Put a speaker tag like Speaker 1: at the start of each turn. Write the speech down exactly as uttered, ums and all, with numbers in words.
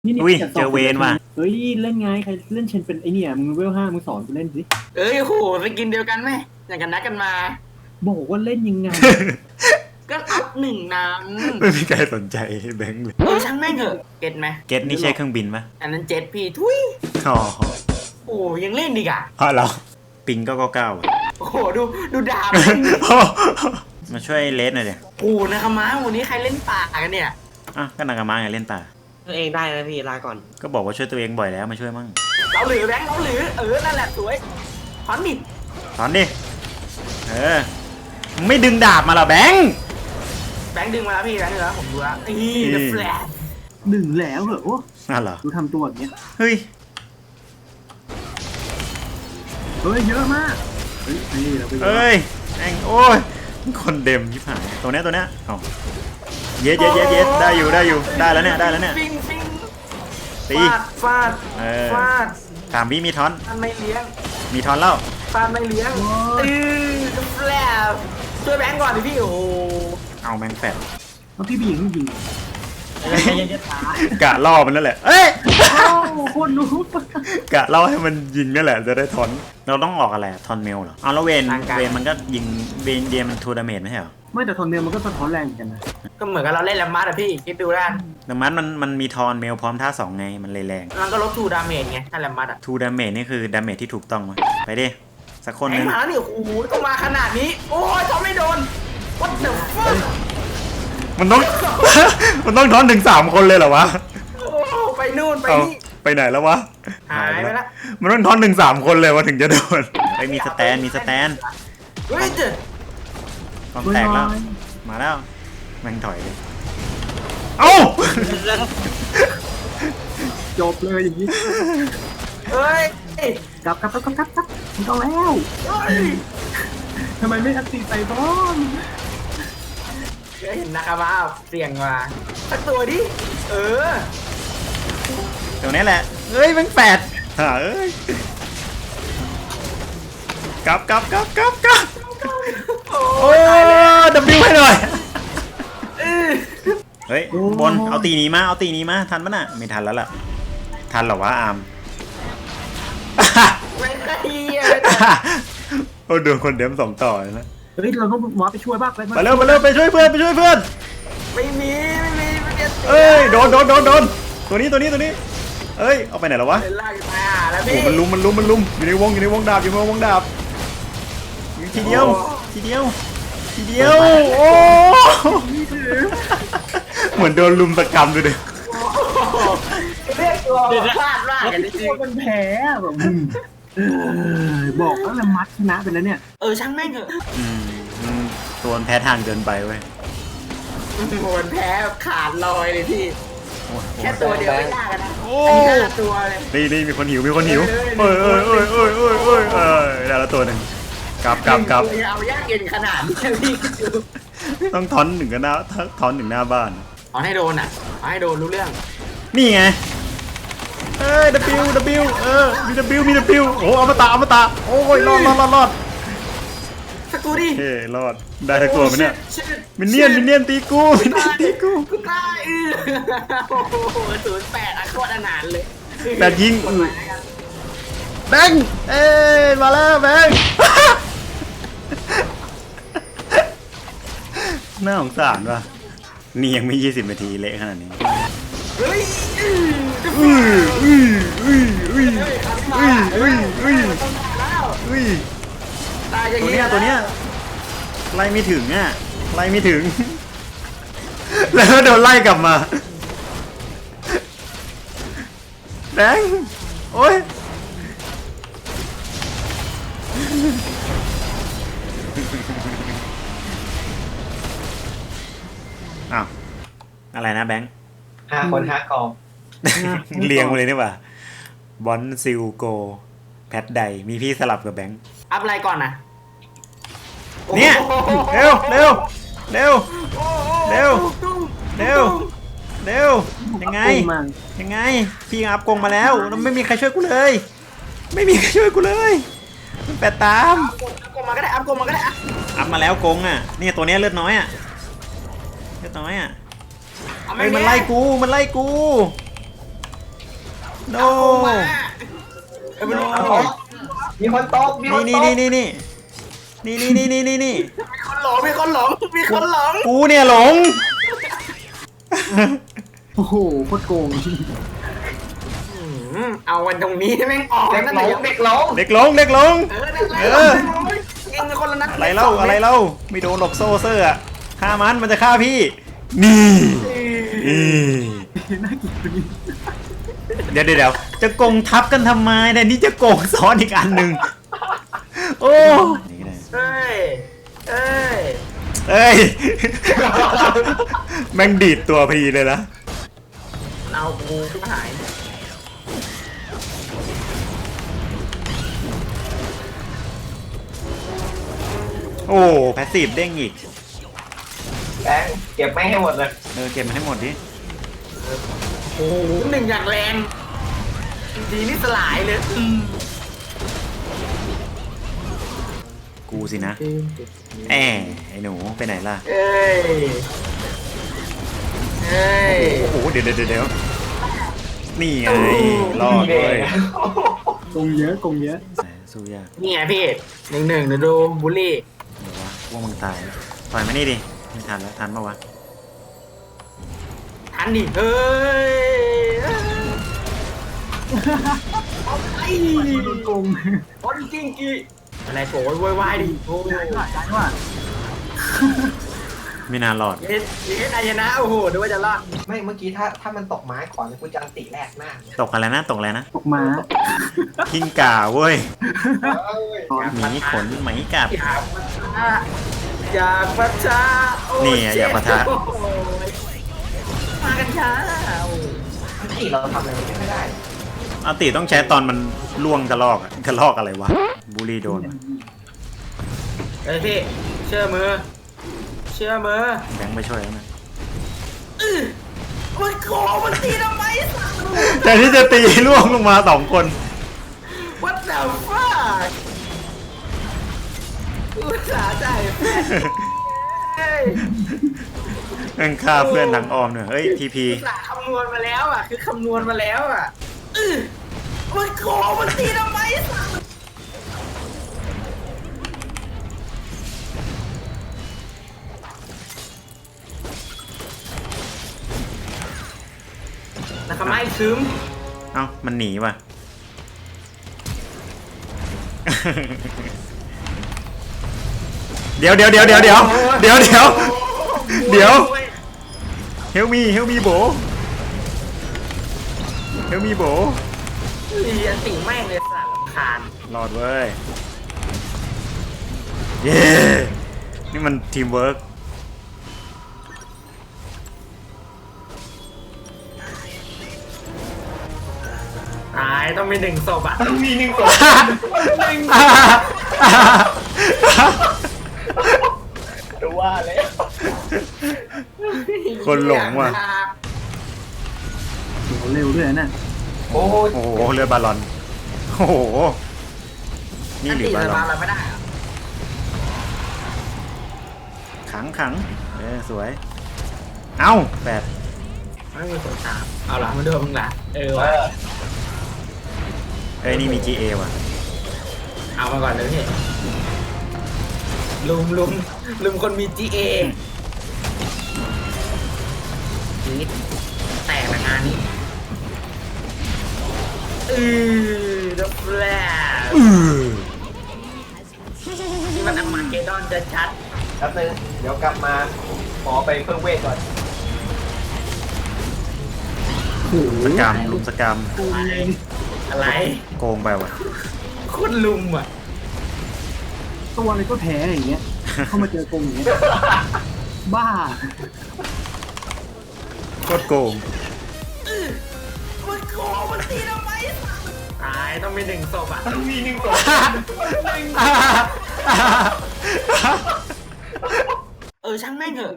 Speaker 1: นี่
Speaker 2: อุ้ย
Speaker 1: นี่
Speaker 2: เจอเวนว่ะ
Speaker 1: เฮ้ยเล่นไงใครเล่นเชนเป็นไอเนี่ยมึงเวลห้ามึงสอนกูเล่นสิ
Speaker 3: เอ้ยโหไปกินเดียวกันไหมอย่างกันนัดกันมา
Speaker 1: บอกว่าเล่นยังไง
Speaker 3: ก็อัพหนึ่งน้
Speaker 2: ไม่มีใครสนใจแบงค์เลย
Speaker 3: ำเออช่างแม่งเถอะเก็ตไหม
Speaker 2: เก็ตนี่ใช่เครื่องบินปะ
Speaker 3: อันนั้นเจ็ตพี่ทุย
Speaker 2: อ๋อ
Speaker 3: โอ้ยังเล่นดีกอ่ะ
Speaker 2: เพราะเราปิงก็เก้าเก้าอะ
Speaker 3: โอ้โหดูดูดาบมันดิ
Speaker 2: มาช่วยเลสหน่อยเดี๋ยว
Speaker 3: โอ้นะครับม้าวันนี้ใครเล่นป่ากันเนี่ย
Speaker 2: อ่ะก็นากามาไงเล่นป่า
Speaker 4: ตัวเองได้นะพี่ลาก่อน
Speaker 2: ก็บอกว่าช่วยตัวเองบ่อยแล้วมาช่วยมั่ง
Speaker 3: เราหรือแบงค์เราหรือเออนั่นแหละสวยถอนดิ
Speaker 2: ถอนดิเออมึงไม่ดึงดาบมาเหรอแบงค์
Speaker 3: แบงค์ดึงมาแล้วพี่แบงค์ดึงแล้วผมดูแล้วนี่เดอะแฟลช
Speaker 1: หนึ่งแล้วเหรอโอ้
Speaker 2: น่าเหรอ
Speaker 1: ดูทำตัวอย่างเงี้ย
Speaker 2: เฮ้ย
Speaker 1: เฮ้ยเยอะมากเฮ้ยนี่เราไปเยอะ
Speaker 2: เอ้ยแม่งโอ้ยคนเดมยิบหายตัวเนี้ยตัวเนี้ยเอาเย็ดเย็ดเย็ดเย็ดได้อยู่ได้อยู่ได้แล้วเนี่ยได้แล้วเนี่ย
Speaker 3: ฟิงฟิง
Speaker 2: ตี
Speaker 3: ฟาดฟาด
Speaker 2: เออ
Speaker 3: ฟาด
Speaker 2: ถามวิมีทอน
Speaker 3: ฟาดไม่เลี้ยง
Speaker 2: มีทอนเล่า
Speaker 3: ฟาดไม่เลี้ยงเออเดอะแฟลชช่วยแบงค์ก่อนดิพี่โอ้โห
Speaker 2: เอาแมงแฟด
Speaker 1: เอาพี่บียิงยิง
Speaker 4: ยังยังจะตาย
Speaker 2: กะล่อมันนั่นแหละเอ้ย
Speaker 1: โอ้โคนรู้
Speaker 2: กะล่อให้มันยิงนั่นแหละจะได้ทอนเราต้องออกอะไรทอนเมลเหรอเอาแล้วเวนเวนมันก็ยิงเวนเดียมันทูดาเมจไม่ใช่เหรอ
Speaker 1: ไม่แต่ทอนเมลมันก็สะท้อนแรงเหมือนกันนะ
Speaker 3: ก็เหมือนกับเราเล่นแลมมาร์อะพี่คิดดูแล้วกัน
Speaker 2: แต่มันมันมันมีทอนเมลพร้อมท่าสองไงมันเลยแรง
Speaker 3: มันก็ลดทูดาเมจไงถ้าแลมมาร์อะ
Speaker 2: ทูดาเมจนี่คือดาเมจที่ถูกต้องมั้ยไปดิสักคน
Speaker 3: ไอ้
Speaker 2: นึง
Speaker 3: หมานี่โอ้โหต้องมาขนาดนี้ โอ้ยทำไม่โดน what the fuck
Speaker 2: มันต้อง มันต้องทอนถึงสามคนเลยเหรอวะ
Speaker 3: โอ้ไปนู่นไป
Speaker 2: เอา
Speaker 3: นี่
Speaker 2: ไปไหนแล้ววะ
Speaker 3: หายไปละ
Speaker 2: มันต้องทอนถึงสามคนเลยวะถึงจะโดนไอ้ยมีสแตนมีสแตน
Speaker 3: เฮ้ยเจ๊
Speaker 2: กองแตกแล้วมาแล้วแม่งถอยเลยเอ้า
Speaker 1: จบเลยอย่างนี้
Speaker 3: เฮ้ย
Speaker 1: กลับกลับกลับกลับกลับกลับไม่ต้องแล้ว
Speaker 3: เฮ้ย
Speaker 1: ทำไมไม่อัดตีใส่บอล
Speaker 3: เห็นนะครับว่าเสี่ยงมาสักตัวดิ เออ
Speaker 2: ตรงนี้แหละเอ้ยแม่งแปดหาเอ้ยกลับกลับกลับกลับกลับ
Speaker 3: โอ้
Speaker 2: โอ้
Speaker 3: ยตายแล้ว
Speaker 2: ดับบิวให้หน่อย
Speaker 3: เออ
Speaker 2: เฮ้ยบนเอาตีนี้มาเอาตีนี้มาทันปะน่ะไม่ทันแล้วล่ะทันเหรอวะอาร์ม
Speaker 3: ไม่ได้เหี้ย
Speaker 2: โอ้โดนคนเดิมสองต่อเลยนะ
Speaker 1: เฮ้ยเราต้องวาร์ปไปช่วยบ้างไป
Speaker 2: ไปเร็วไปเร็วไปช่วยเพื่อนไปช่วยเพื่อน
Speaker 3: ไม่มีไม่มีไม่มี
Speaker 2: เอ้ยโดนโดนโดนโดนตัวนี้ตัวนี้ตัวนี้เอ้ยเอาไปไหนแล้ววะ
Speaker 3: เป็นไล่ไปอ่ะแล้ว
Speaker 2: โอ้
Speaker 3: พี่
Speaker 2: มันลุมมันลุมมันลุมอยู่ในวงอยู่ในวงดาบอยู่ในวงดาบทีเดียวทีเดียวทีเดียวโอ้เหมือนโดนลุมตะกรรมดูดิ
Speaker 3: เรียกตัวพลาดมากกันจริง
Speaker 1: มันแพ้แบบอืมเออบอกแล้วละมัดชนะไปแล้วเนี่ย
Speaker 3: เออช่างแม่งเถอะ
Speaker 2: อืมอืมตัวมันแพ้ทางเกินไปเว้ย
Speaker 3: โหนแพ้ขาดลอยเลยพี่
Speaker 2: โอ้ย
Speaker 3: แค่ตัวเดียวไม่ยากนะ
Speaker 2: โอ้
Speaker 3: อันนี้ห้าตัวเลย
Speaker 2: นี่นี่มีคนหิวมีคนหิวเอ้ยเอ้ยเอ้ยเอ้ยเอ้ยเอ้ยเอ้ยได้แล้วตัวหนึ่งกลับกลับกลับ
Speaker 3: ตัวเอายากเย็นขนาดนี้พี่ดู
Speaker 2: ต้องทอนหนึ่งกันหน้าทอนหนึ่งหน้าบ้าน
Speaker 3: เอาให้โดนอ่ะเอาให้โดนรู้เรื่อง
Speaker 2: นี่ไงเอ้ย W W เออมี W มี W โอ้อมตะอมตะโอ้ยรอดรอดรอดรอด
Speaker 3: สักตัวดิ
Speaker 2: เฮ้รอดได้ทั้งตัวไหมเนี่ย
Speaker 3: ชิด
Speaker 2: มินเนี่ยนมินเนี่ยนตีกูมินเนี่ยนตีกู
Speaker 3: กูตายเออโอ้โหศูนย์แปดอะโคตรอนาถเลย
Speaker 2: แต่ยิงอือแบงค์เอ้ยมาแล้วแบงค์ น่าสงสารว่ะนี่ยังไม่ยี่สิบนาทีเละขนาดนี้
Speaker 3: เฮ้ยอือจะ
Speaker 2: อุ้ยอุ้ยอุ้ยอุ้ย
Speaker 3: เฮ้ย
Speaker 2: อุ้ยอุ้ยอุ้ย
Speaker 3: ต้องตายแล้ว
Speaker 2: อุ้ย
Speaker 3: ตายอย่าง
Speaker 2: ตัว
Speaker 3: นี้
Speaker 2: เนี้ยตัวเนี้ยไล่ไม่ถึงอ่ะไล่ไม่ถึง แล้วก็โดนไล่กลับมาแดงโอ้ยอ้าวอะไรนะแบงค์
Speaker 4: ห้าคนห้ากอง
Speaker 2: เรียงมาเลยนี่หว่าบอลซิลโกแพทไดมีพี่สลับกับแบงค์
Speaker 3: อัพอะไรก่อนนะ
Speaker 2: เนี่ยเร็วเร็วเร็ว เร็ว เร็วเร็วยังไง
Speaker 1: โอ้มา
Speaker 2: ยังไงพี่อัพกงมาแล้วแล้วไม่มีใครช่วยกูเลย ไม่มีใครช่วยกูเลยมันแปดตาม
Speaker 3: อัพกลมาก็ได้อัพกลมาก็ได้อะ
Speaker 2: อัพมาแล้วกงอ่ะเนี่ยตัวเนี้ยเลือดน้อยอ่ะเลือดน้อยอ่ะ
Speaker 3: เอา
Speaker 2: เฮ้ยมันไล่กูมันไล่กูโน
Speaker 3: เอ้ยมัน
Speaker 2: โอ้
Speaker 3: เอา
Speaker 4: มีคนตกมีคน
Speaker 2: นี่
Speaker 4: ต
Speaker 2: นี่
Speaker 4: ก
Speaker 2: นี่นี่นี่นี่นี่นี่นี่นี่
Speaker 3: มีคนหลงมีคนหลงมีคนหลง
Speaker 2: กูเนี่ยหลง
Speaker 1: โอ้โหโคตรโกง
Speaker 3: อืมเอาวันตรงนี้แม่งออก
Speaker 4: เด็ก
Speaker 3: นั่น
Speaker 4: หล
Speaker 3: แหละ
Speaker 4: งเด็กหลง
Speaker 2: เด็กหลงเด็กหลง
Speaker 3: เออนั่นแหละ
Speaker 2: เออ
Speaker 3: เองเป็นคนละนัด
Speaker 2: อะไรเล่าอะไรเล่าไม่โดนหลอกโซ่เซอร์อะฆ่ามันมันจะฆ่าพี่ นี่นี่
Speaker 1: น่าเกลียดคนนี้
Speaker 2: เดี๋ยวเดี๋ยวเดี๋ยวจะโกงทับกันทำไมแต่นี่จะโกงซ้อนอีกอันหนึ่งโอ้นี่ก็ได้
Speaker 3: เอ้ยเอ้ย
Speaker 2: เอ้ย แม่งดีดตัวพอดีเลยนะ
Speaker 3: เอากูขึ้นมาหาย
Speaker 2: โอ้แพสซีฟเด้งอีก
Speaker 4: แบงค์เก็บไม่ให้หมดเลย
Speaker 2: เออเก็บมาให้หมดดิ
Speaker 3: โอ้โหหนึ่งอย่างแรงดีนี่สลายเลยอืม
Speaker 2: กูสินะแอบไอ้หนูไปไหนล่ะ
Speaker 3: เอ้ยเอ้ย
Speaker 2: โอ้โหเดี๋ยวเดี๋ยวเดี๋ยวนี่ไงรอดเลย
Speaker 1: โกงเยอะโกงเยอะ
Speaker 2: สู้ยาก
Speaker 3: นี่ไงพี่หนึ่งหนึ่งเดี๋ยวดูบูลลี่
Speaker 2: เดี๋ยววะพวกมึงตายปล่อยมานี่ดิไม่ทันแล้วทันปะวะ
Speaker 3: ทันดิเฮ้ยไอ้
Speaker 1: โดนโกง
Speaker 3: บอลกิ้งกี้อะไรโกรธวายวายดิโอ้ย
Speaker 1: ย้ายว่าย้ายว่า
Speaker 2: ไม่น่ารอด
Speaker 3: เย็นเย็นอายนะโอ้โหดูว่าจะรอด
Speaker 4: ไม่เมื่อกี้ถ้าถ้ามันตกไม้ขอนกูจะอันติแรกหน้า
Speaker 2: ตกอะไรนะตกอะไรนะ
Speaker 1: ตกมา
Speaker 2: พิงก่าเว้ย
Speaker 4: เอ้ย
Speaker 2: หมีขนไหมกัด
Speaker 3: อยากปะทะอยากปะทะโอ้
Speaker 2: นี่ไงอยากปะทะ
Speaker 3: โอ้ยมากันช้าโอ้ย
Speaker 4: อันติเราทำอะไรมันไม่ได้
Speaker 2: อาติต้องใช้ตอนมันล่วงกระลอกอะกระลอกอะไรวะบูลลี่โดนวะ
Speaker 3: เอ้ยพี่เชื่อมือ เชื่อมือ
Speaker 2: แบงค์ไปช่วยแล้วนะ
Speaker 3: อื้อมันโกงมันตีทำไมสัตว์
Speaker 2: แต่ที่จะตีล่วงลงมาสองคน
Speaker 3: What the fuck อุตส่าห์ใจายแฟนเฮ้ย
Speaker 2: นั่งฆ่าเพื่อนทางอ้อมเนี่ยเฮ้ยทีพี
Speaker 3: อุตส่าห์คำนวณมาแล้วอ่ะ คือคำนวณมาแล้วอ่ะอื้อมันโกงมันตีทำไมสัตว์นะครับไม่ซึม
Speaker 2: เอ้ามันหนีว่ะ เดี๋ยวเดี๋ยวเดี๋ยวเดี๋ยวเดี๋ยวเดี๋ยวเดี๋ยวเดี๋ยวเฮลมีเฮลมีโบเฮลมีโบ
Speaker 3: เรียนติ่งแม่งเลยสัตว์รำคาญ
Speaker 2: รอดเว้ย เย้นี่มันทีมเวิร์ก
Speaker 3: ตายต้องมีหนึ่งศพอ่ะ
Speaker 4: ต้องมีหนึ่งตัวหนึ่งจะว่าแล้ว
Speaker 2: คนหลงว่ะ
Speaker 1: โหเร็วด้วยนะ
Speaker 4: โอ้ย
Speaker 2: โอ้โหเรือบาลอน โอ้โห นี่หรือบาลอน
Speaker 3: เราไม่ได้อะ
Speaker 2: ขังขังเออสวย เอ้าแปด
Speaker 3: ไม่มีคนตามเอาละมาดูมึงละเออ
Speaker 4: เอ
Speaker 3: ว่ะ
Speaker 4: อ
Speaker 2: เอ้ยนี่มี จี เอ ว่ะ
Speaker 3: เอามาก่อนเลยพี่ลุมลุมลุมคนมี จี เอ จีดแตกในงานนี้อือดับแฟลชนี่มันอมาเกดอนจะชัด
Speaker 4: แป๊บนึงเดี๋ยวกลับมาขอไปเพิ่มเวทก่อน
Speaker 1: โอ้โห
Speaker 2: สกรรมลุมสกรรม
Speaker 3: อะไรอะไร
Speaker 2: โกงไปว่ะ
Speaker 3: โคตรลุมอ่ะ
Speaker 1: ตัวอะไรก็แพ้อย่างเงี้ย เข้ามาเจอโกงอย่างเงี้ย บ้า
Speaker 2: โคตรโกง
Speaker 3: มันโกงมันตีทำไมตายต้องมีหนึ่งศพอ่ะ
Speaker 4: ต้องมีหนึ่งตัว
Speaker 3: เออช่างแม่งเถอะ